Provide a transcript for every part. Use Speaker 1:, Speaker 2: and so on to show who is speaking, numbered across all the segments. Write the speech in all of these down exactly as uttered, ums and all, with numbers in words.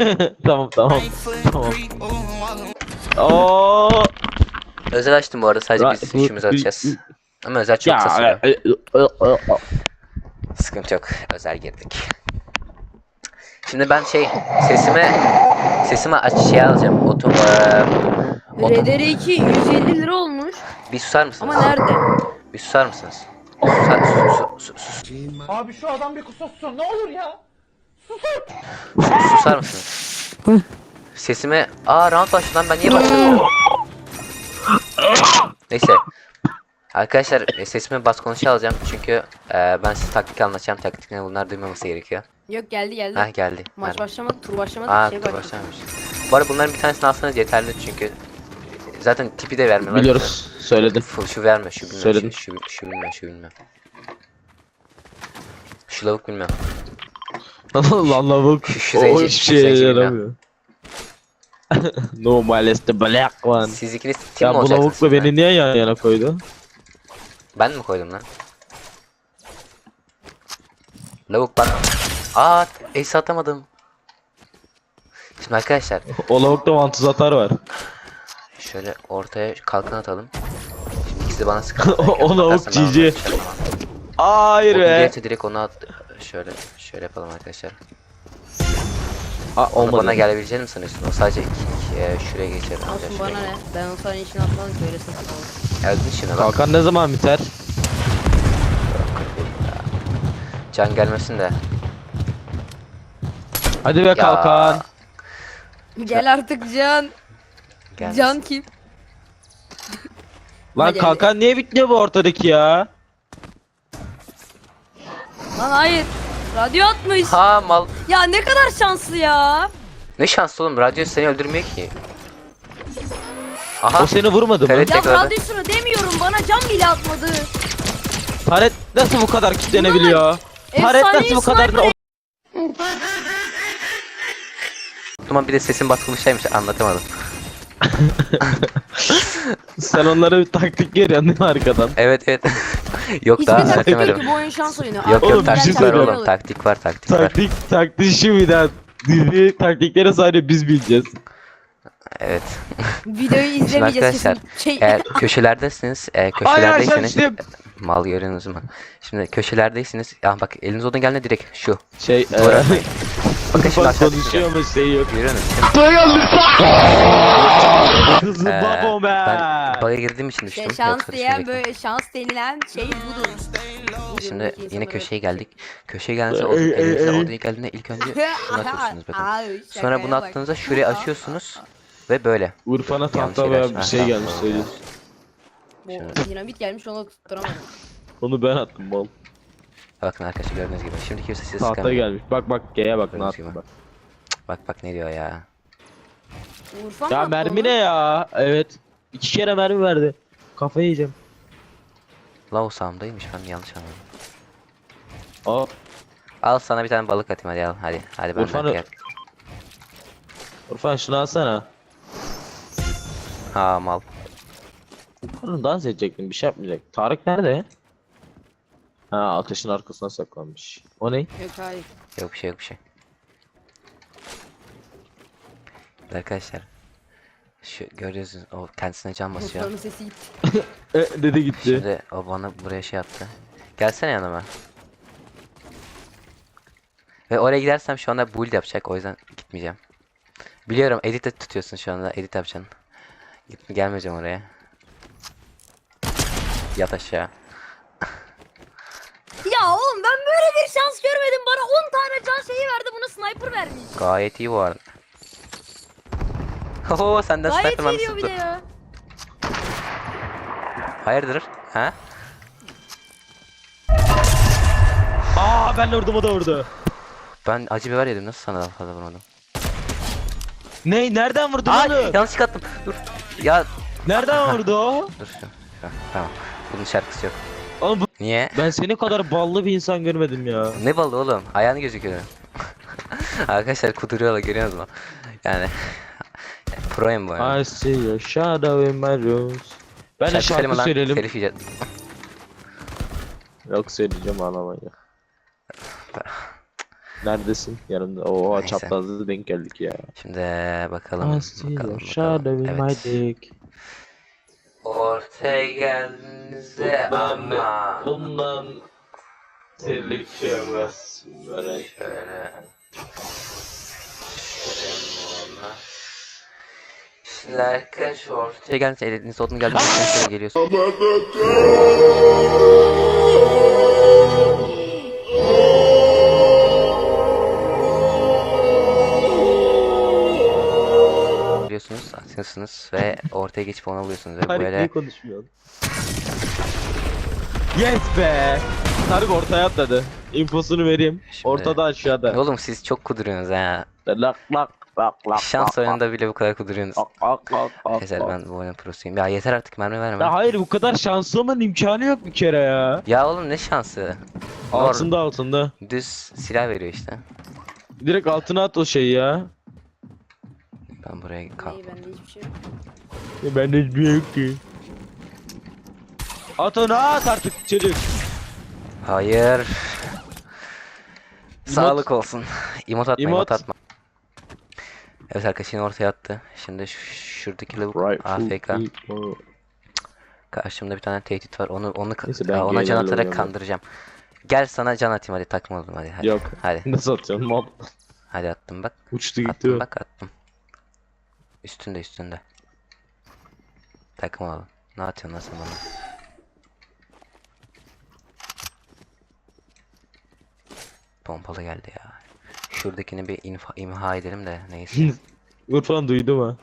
Speaker 1: Tamam tamam. Tamam. Oo.
Speaker 2: Özel açtım bu arada, sadece biz üçümüz açacağız. Ama özel çok
Speaker 1: Ya.
Speaker 2: kasıyor. Sıkıntı yok. Özel girdik. Şimdi ben şey sesime sesime aç şey alacağım. Otom eee, otom
Speaker 3: R D R iki yüz elli lira olmuş.
Speaker 2: bir susar mısınız?
Speaker 3: Ama nerede?
Speaker 2: Bir susar mısınız? Susar, sus, sus, sus, sus.
Speaker 4: Abi şu adam bir kusursun ne olur ya.
Speaker 2: Susar mısınız? Sesime aa round başladı lan, ben niye başladım? Neyse. Arkadaşlar e, sesime bas konuşu alacağım çünkü e, ben size taktik anlatacağım. Taktiklerini bunlar duymaması gerekiyor.
Speaker 3: Yok, geldi geldi.
Speaker 2: Hah geldi.
Speaker 3: Maç
Speaker 2: Merhaba.
Speaker 3: başlamadı, tur başlamadı.
Speaker 2: Aa
Speaker 3: şey
Speaker 2: dur
Speaker 3: başladı.
Speaker 2: başlamış. Bu arada bunların bir tanesini alsanız yeterli çünkü zaten tipi de vermiyor.
Speaker 1: Biliyoruz. Söyledim.
Speaker 2: Şu, şu verme, şu bilmem,
Speaker 1: Söyledim.
Speaker 2: şu, şu, şu bilmem, şu bilmem. Şu lavuk bilmem.
Speaker 1: Lan lavuk.
Speaker 2: Şu- şu
Speaker 1: O
Speaker 2: zenci-
Speaker 1: hiçbir
Speaker 2: şu
Speaker 1: şeye
Speaker 2: zenci
Speaker 1: yaramıyor. No is the black one.
Speaker 2: Siz ikiniz tim
Speaker 1: Ya
Speaker 2: mi
Speaker 1: bu
Speaker 2: olacaksınız?
Speaker 1: lavukla
Speaker 2: şimdi?
Speaker 1: beni niye yan yana koydu?
Speaker 2: Ben mi koydum lan? Lavuk bak. Aa, ace atamadım. Şimdi arkadaşlar
Speaker 1: O lavukta vantuz atar var.
Speaker 2: şöyle ortaya kalkan atalım. Şimdi ikisi de bana sıkar.
Speaker 1: O- o lavuk G G. Hayır
Speaker 2: O
Speaker 1: be.
Speaker 2: bilgiye direkt onu at. Şöyle şöyle yapalım arkadaşlar.
Speaker 1: Aa,
Speaker 2: Onu
Speaker 1: olmadı.
Speaker 2: bana gelebileceğini mi sanıyorsun? O sadece iki, iki e, şuraya geçelim.
Speaker 3: Olsun,
Speaker 2: Şuraya
Speaker 3: bana
Speaker 2: geçelim.
Speaker 3: ne? Ben o sana işini atmadım ki, öyle satın aldım.
Speaker 2: Geldin şimdi bak.
Speaker 1: Kalkan ne zaman biter?
Speaker 2: Can gelmesin de.
Speaker 1: Hadi be kalkan.
Speaker 3: Gel artık Can.
Speaker 2: Gelmesin.
Speaker 3: Can kim?
Speaker 1: Lan
Speaker 3: Hadi,
Speaker 1: kalkan niye bitmiyor bu ortadaki ya?
Speaker 3: Lan hayır. Radyo atmış.
Speaker 2: Ha mal.
Speaker 3: Ya ne kadar şanslı ya.
Speaker 2: Ne şanslı oğlum, radyo seni öldürmüyor ki. Aha.
Speaker 1: O seni vurmadı mı?
Speaker 2: Evet.
Speaker 3: Ya
Speaker 2: Tekrardan.
Speaker 3: radyosunu demiyorum, bana can bile atmadı.
Speaker 1: Taret nasıl bu kadar kitlenebiliyor? Taret
Speaker 3: Efsanevi
Speaker 1: nasıl bu kadar...
Speaker 3: sniper.
Speaker 2: O zaman bir de sesin baskılmışaymış, anlatamadım.
Speaker 1: Sen onlara bir taktik veriyorsun değil mi arkadan?
Speaker 2: Evet evet. Yok
Speaker 3: Hiçbir
Speaker 2: daha
Speaker 3: taktik yok
Speaker 2: anlatamadım.
Speaker 3: ki, bu oyun şans oyunu.
Speaker 2: Yok
Speaker 3: Arkadan
Speaker 2: yok
Speaker 1: Oğlum, bir şey
Speaker 2: taktik var
Speaker 1: söyleyeyim.
Speaker 2: oğlum, taktik var taktik var.
Speaker 1: Taktik, taktik şimdiden. Dizi taktikleri sadece biz bileceğiz.
Speaker 2: Evet.
Speaker 3: Videoyu izlemeyeceğiz
Speaker 2: arkadaşlar,
Speaker 3: kesin. Şey,
Speaker 2: Eğer köşelerdesiniz, e,
Speaker 1: Ay ay
Speaker 2: köşelerdeyseniz
Speaker 1: işte
Speaker 2: mal görüyorsunuz mu? Şimdi köşelerdeyseniz, ya bak eliniz odun gelene direkt şu.
Speaker 1: şey
Speaker 2: Duvara
Speaker 1: eee
Speaker 2: atmayın. Bakın şimdi
Speaker 1: Bak
Speaker 2: aşağı
Speaker 1: konuşuyor ama şey yok.
Speaker 2: Görüyor musun?
Speaker 1: Kızı
Speaker 2: Ee,
Speaker 1: babo be.
Speaker 2: ben bug'a girdiğim için düştüm.
Speaker 3: şey, şans
Speaker 2: Yoksa
Speaker 3: diyen
Speaker 2: düşmeyecektim.
Speaker 3: böyle şans denilen şey budur.
Speaker 2: Şimdi
Speaker 3: Videodaki
Speaker 2: yine
Speaker 3: insanlara-
Speaker 2: köşeye geldik. Köşeye geldiğinizde
Speaker 1: Ey,
Speaker 2: odun,
Speaker 1: ey,
Speaker 2: elinize
Speaker 1: ey.
Speaker 2: odun geldiğinde ilk önce şunu atıyorsunuz bakın.
Speaker 3: Ay,
Speaker 2: Sonra bunu
Speaker 3: şakaya bak.
Speaker 2: attığınızda şuraya açıyorsunuz ve böyle.
Speaker 1: Urfan'a
Speaker 2: Yanlış
Speaker 1: tahta
Speaker 2: şeyler
Speaker 1: veya
Speaker 2: açma.
Speaker 1: bir şey
Speaker 2: Ha,
Speaker 1: gelmiş
Speaker 2: tamam,
Speaker 1: söyleyeyim.
Speaker 3: Bu dinamit gelmiş, onu tutturamadım.
Speaker 1: Onu ben attım bol.
Speaker 2: Bakın arkadaşlar, gördüğünüz gibi. Şimdi kimse sizi
Speaker 1: Tahta
Speaker 2: sıkamıyor.
Speaker 1: gelmiş. Bak bak G'ye bak ne
Speaker 2: Gördüğünüz
Speaker 1: attım
Speaker 2: gibi.
Speaker 1: bak.
Speaker 2: Bak bak ne diyor ya.
Speaker 3: Urfa mı
Speaker 1: Ya
Speaker 3: attı
Speaker 1: mermi
Speaker 3: onu?
Speaker 1: ne ya? Evet. İki kere mermi verdi. Kafayı yiyeceğim.
Speaker 2: Lav sağımdaymış, ben yanlış anladım.
Speaker 1: Aa,
Speaker 2: Al sana bir tane balık atayım, hadi al hadi. Hadi benden
Speaker 1: Urfan'ı-
Speaker 2: kıyak.
Speaker 1: Urfan şunu alsana.
Speaker 2: Ha mal.
Speaker 1: Urfan'ı dans edecektim, bir şey yapmayacak. Tarık nerede? Ha, ateşin arkasına saklanmış. O ne?
Speaker 3: Yok hayır.
Speaker 2: Yok bir şey yok bir şey. Arkadaşlar. Şu görüyorsunuz, o kendisine can basıyor.
Speaker 3: Urfa'nın sesi gitti.
Speaker 1: E, dedi gitti.
Speaker 2: Şimdi o bana buraya şey yaptı. Gelsene yanıma. Ve oraya gidersem şu anda build yapacak, o yüzden gitmeyeceğim. Biliyorum, edit de tutuyorsun şu anda, edit yapacaksın. Git, gelmeyeceğim oraya. Yat aşağı.
Speaker 3: Ya oğlum, ben böyle bir şans görmedim. Bana on tane can şeyi verdi, buna sniper vermiş.
Speaker 2: Gayet iyi bu arada. Oho, senden
Speaker 3: Gayet
Speaker 2: sniper
Speaker 3: iyi diyor bir de
Speaker 2: tuttu.
Speaker 3: ya.
Speaker 2: Hayırdır? Ha?
Speaker 1: Aa, ben de vurdum, o da vurdu.
Speaker 2: Ben acı biber yedim, nasıl sana daha fazla vurmadım?
Speaker 1: Ne? Nereden vurdun
Speaker 2: Ay,
Speaker 1: onu?
Speaker 2: yanlışlıkla attım. Dur. Ya
Speaker 1: Nereden vurdu o?
Speaker 2: dur şu. şu. Tamam. Bunun şarkısı yok.
Speaker 1: Oğlum bu...
Speaker 2: Niye?
Speaker 1: Ben seni kadar ballı bir insan görmedim ya.
Speaker 2: Ne balı oğlum? Ayağını gözüküyor. Arkadaşlar kuduruyorlar, görüyorsunuz mu? Yani proyum bu yani.
Speaker 1: I see your shadow in my rooms. Ben de
Speaker 2: Şarkı söyleme
Speaker 1: şarkı
Speaker 2: lan,
Speaker 1: söyleyelim.
Speaker 2: telif yiyeceğiz.
Speaker 1: Yok söyleyeceğim, ağlamayın. Neredesin? Yanımda. Oo
Speaker 2: Neyse.
Speaker 1: çaprazda denk geldik ya.
Speaker 2: Şimdi bakalım.
Speaker 1: I see
Speaker 2: Bakalım
Speaker 1: your
Speaker 2: bakalım.
Speaker 1: shadow in my
Speaker 2: Evet.
Speaker 1: dick.
Speaker 2: Ortaya geldiğinizde ama.
Speaker 1: Bundan terlik yemezsin böyle.
Speaker 2: Şöyle. Şimdi arkadaş ortaya geldiniz. Eliniz odun geldi. Şöyle geliyorsun. Biliyorsunuz, atıyorsunuz ve ortaya geçip ona vuruyorsunuz ve
Speaker 1: Tarık
Speaker 2: böyle
Speaker 1: niye konuşmuyor? Yes be! Tarık ortaya atladı. İnfosunu vereyim.
Speaker 2: Şimdi-
Speaker 1: Ortada aşağıda.
Speaker 2: oğlum siz çok kuduruyorsunuz ha.
Speaker 1: Lak lak lak lak.
Speaker 2: Şans oyununda bile bu kadar kuduruyorsunuz.
Speaker 1: Lak lak lak lak.
Speaker 2: Neyse ben bu oyunun prosuyum. Ya yeter artık mermi verme.
Speaker 1: Ya hayır bu kadar şanslı olmanın imkanı yok bir kere ya.
Speaker 2: Ya oğlum ne şansı? Nor
Speaker 1: Altında altında.
Speaker 2: düz silah veriyor işte.
Speaker 1: Direkt altına at o şeyi ya.
Speaker 2: Ben buraya kalk.
Speaker 3: İyi bende hiçbir şey yok.
Speaker 1: Ya bende hiçbir şey yok ki. At onu at artık çocuk.
Speaker 2: Hayır. Sağlık olsun. İmot atma, imot,
Speaker 1: İmot.
Speaker 2: atma. Evet arkadaş yine ortaya attı. Şimdi şu, şuradaki lavuk A F K. Karşımda bir tane tehdit var. Onu onu
Speaker 1: Neyse, ben
Speaker 2: Aa, ona can
Speaker 1: geylerle
Speaker 2: atarak
Speaker 1: oynuyorum.
Speaker 2: kandıracağım. Gel sana can atayım hadi takma oğlum hadi. hadi.
Speaker 1: Yok.
Speaker 2: Hadi.
Speaker 1: Nasıl atıyorsun mob?
Speaker 2: Hadi attım bak.
Speaker 1: Uçtu gitti.
Speaker 2: Attım bak attım. Üstünde üstünde. Takma oğlum. Ne atıyorsun lan sen bana? Pompalı geldi ya. Şuradakini bir infa, imha edelim de neyse.
Speaker 1: Urfan duydu mu?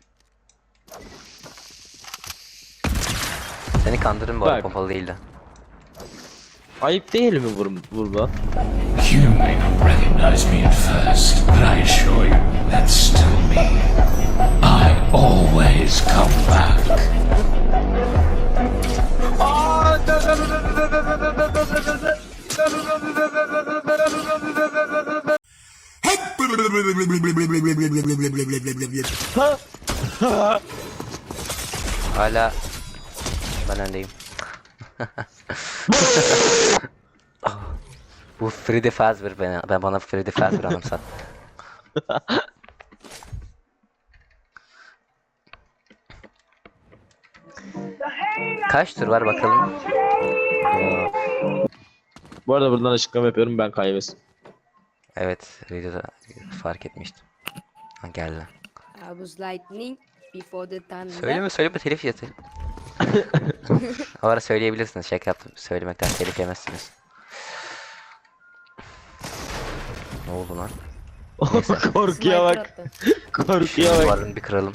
Speaker 2: Seni kandırdım bu arada
Speaker 1: Bak.
Speaker 2: pompalı değildi.
Speaker 1: Ayıp değil mi vur vurma?
Speaker 5: You may not recognize me at first, but I assure you that's still me. I always come back.
Speaker 2: Hala ben öndeyim. Bu Freddy Fazbear bana, ben bana Freddy Fazbear anımsat. Kaç tur var bakalım? Ee,
Speaker 1: Bu arada buradan açıklama yapıyorum ben kaybettim.
Speaker 2: evet videoda fark etmiştim. Ha, geldi.
Speaker 3: I was lightning before the thunder.
Speaker 2: Söyleme söyleme telif yatı. O ara söyleyebilirsiniz şaka yaptım söylemekten telif yemezsiniz. Ne oldu lan?
Speaker 1: Korkuya
Speaker 3: Sniper
Speaker 1: bak.
Speaker 3: attı.
Speaker 1: Korkuya
Speaker 2: Şu
Speaker 1: bak.
Speaker 2: duvarını bir kıralım.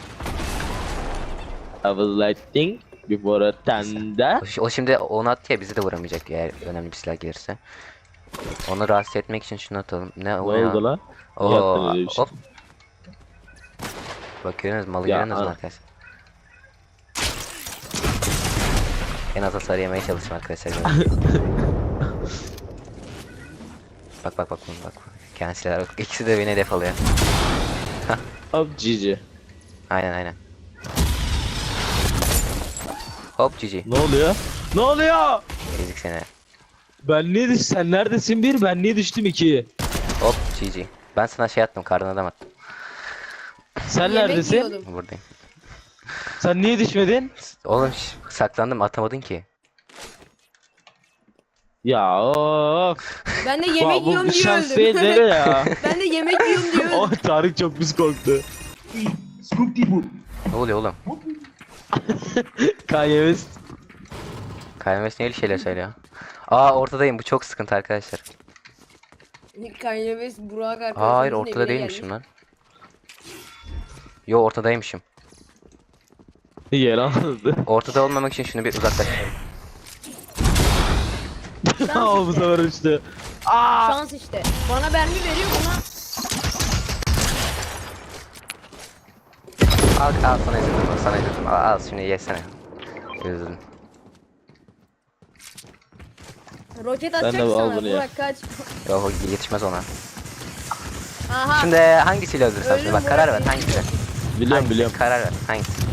Speaker 1: I was lighting before a thunder.
Speaker 2: O, şi- o şimdi onu attı ya bizi de vuramayacak eğer önemli bir silah gelirse. Onu rahatsız etmek için şunu atalım. Ne
Speaker 1: Ne
Speaker 2: o ya?
Speaker 1: oldu lan?
Speaker 2: Oo,
Speaker 1: Niye attın öyle bir şey?
Speaker 2: hop. Bakıyorsunuz malı
Speaker 1: Ya,
Speaker 2: görüyorsunuz mu
Speaker 1: ana.
Speaker 2: arkadaşlar? En az hasar yemeye çalıştım arkadaşlar. bak bak bak bak. Kendisiler bak. İkisi de beni hedef alıyor.
Speaker 1: Hop Cici.
Speaker 2: Aynen aynen. Hop cici.
Speaker 1: Ne oluyor? Ne oluyor?
Speaker 2: Ezik seni.
Speaker 1: Ben niye düştüm? Sen neredesin bir? Ben niye düştüm iki?
Speaker 2: Hop cici. Ben sana şey attım kardan adam attım.
Speaker 1: Sen
Speaker 3: Yemek
Speaker 1: neredesin?
Speaker 3: yiyordum.
Speaker 2: Buradayım.
Speaker 1: Sen niye düşmedin?
Speaker 2: Oğlum şş, saklandım atamadın ki.
Speaker 1: Ya of.
Speaker 3: Ben de yemek
Speaker 1: Bu- bu
Speaker 3: yiyorum diye
Speaker 1: şans değil
Speaker 3: öldüm.
Speaker 1: değil mi ya?
Speaker 3: Ben de yemek yiyorum diye öldüm.
Speaker 1: Oh Tarık çok pis korktu.
Speaker 2: Ne oluyor oğlum?
Speaker 1: Kanye West.
Speaker 2: Kaymes ne öyle şeyler söylüyor? Aa ortadayım bu çok sıkıntı arkadaşlar.
Speaker 3: Kanye West Burak arkadaşımızın
Speaker 2: Aa hayır
Speaker 3: evine
Speaker 2: ortada
Speaker 3: gelmiş.
Speaker 2: değilmişim lan. Yo ortadaymışım.
Speaker 1: Yer aldı.
Speaker 2: Ortada olmamak için şunu bir uzaklaştırayım.
Speaker 1: Aa bu sefer uçtu.
Speaker 3: Şans işte. Bana mermi veriyor buna.
Speaker 2: Al al sana izledim al sana izledim al, al şimdi yesene. Üzüldüm.
Speaker 3: Roket
Speaker 1: de
Speaker 3: atacak
Speaker 1: al
Speaker 3: sana.
Speaker 1: bunu ya.
Speaker 3: Burak kaç.
Speaker 2: Yo yetişmez ona.
Speaker 3: Aha.
Speaker 2: Şimdi hangisiyle öldürsem
Speaker 3: Ölüm
Speaker 2: şimdi bak karar ver
Speaker 3: Burak
Speaker 2: hangisi?
Speaker 1: Biliyorum
Speaker 2: Hangisi?
Speaker 1: biliyorum.
Speaker 2: Karar ver hangisi?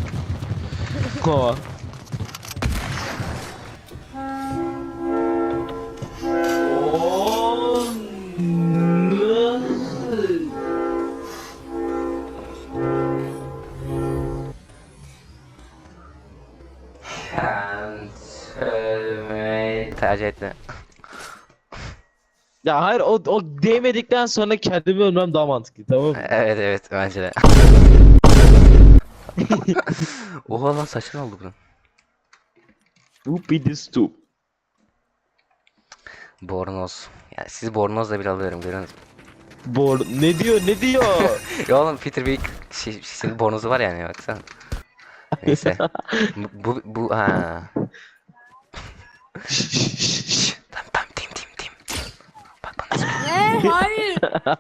Speaker 1: Kova.
Speaker 2: tercih etti.
Speaker 1: Ya hayır, o, o değmedikten sonra kendimi ölmem daha mantıklı, tamam mı?
Speaker 2: Evet evet bence de. Oha lan saçın oldu bunun.
Speaker 1: Whoopie stoop.
Speaker 2: Bornoz. Yani sizi bornozla bile alıyorum görüyorsunuz.
Speaker 1: Bor ne diyor ne diyor?
Speaker 2: Ya oğlum Peter bir şey, senin bornozu var yani baksana. Neyse. Bu bu, bu ha. Tamam tamam tim tim tim. Bak bak nasıl.
Speaker 3: Ne? Hayır.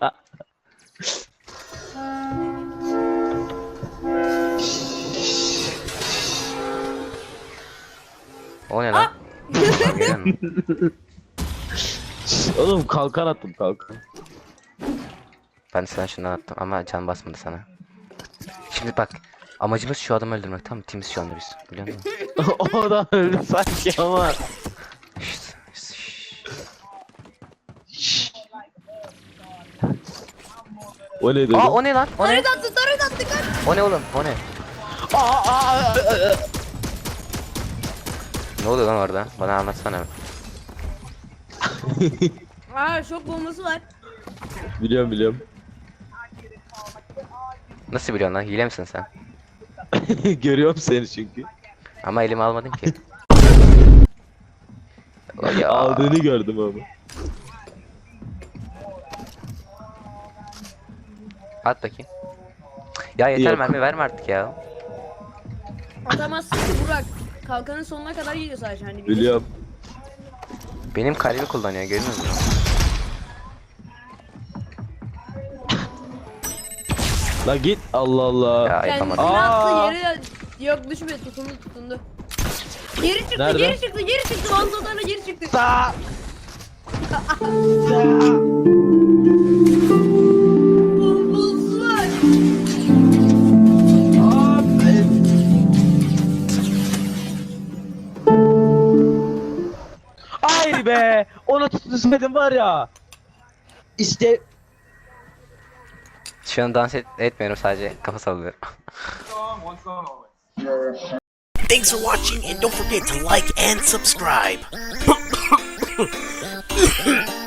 Speaker 2: O ne lan? Görüyor musun?
Speaker 1: Oğlum kalkan attım, kalkan.
Speaker 2: Ben de sana şunu attım ama can basmadı sana. Şimdi bak amacımız şu adamı öldürmek, tamam mı? Timiz şu anda biz biliyor musun?
Speaker 1: O da öldü sanki ama.
Speaker 2: Şşt, şşt.
Speaker 1: O ne dedi?
Speaker 2: Aa o ne lan? O ne?
Speaker 3: Tarık attı, tarık attı kaç.
Speaker 2: O ne oğlum? O ne?
Speaker 1: Aa, aa, aa, aa.
Speaker 2: Ne oluyor lan orada? Bana anlatsana.
Speaker 3: Aa şok bombası var.
Speaker 1: Biliyorum biliyorum.
Speaker 2: Nasıl biliyorsun lan? Hile misin sen?
Speaker 1: Görüyorum seni çünkü.
Speaker 2: Ama elimi almadım ki. Ya.
Speaker 1: Aldığını gördüm ama.
Speaker 2: At bakayım. Ya yeter
Speaker 1: Yok.
Speaker 2: mermi verme artık ya.
Speaker 3: Atamazsın ki Burak. Kalkanın sonuna kadar gidiyor sadece hani. bir-
Speaker 1: Biliyorum.
Speaker 2: Benim kalbi kullanıyor görüyor musun?
Speaker 1: La git, Allah Allah.
Speaker 2: Ya
Speaker 3: Kendisini
Speaker 2: yapamadım.
Speaker 1: Aa.
Speaker 3: attı yere yok düşmedi, tutundu tutundu. Geri çıktı,
Speaker 1: Nerede?
Speaker 3: geri çıktı, geri çıktı. Vanzo'dan geri çıktı.
Speaker 1: Ta.
Speaker 3: Bombası var.
Speaker 1: Hayır be. Ona tutuşmadım var ya. İşte
Speaker 2: Şu an dans et etmiyorum sadece kafa sallıyorum.
Speaker 6: Thanks for watching and don't forget to like and subscribe.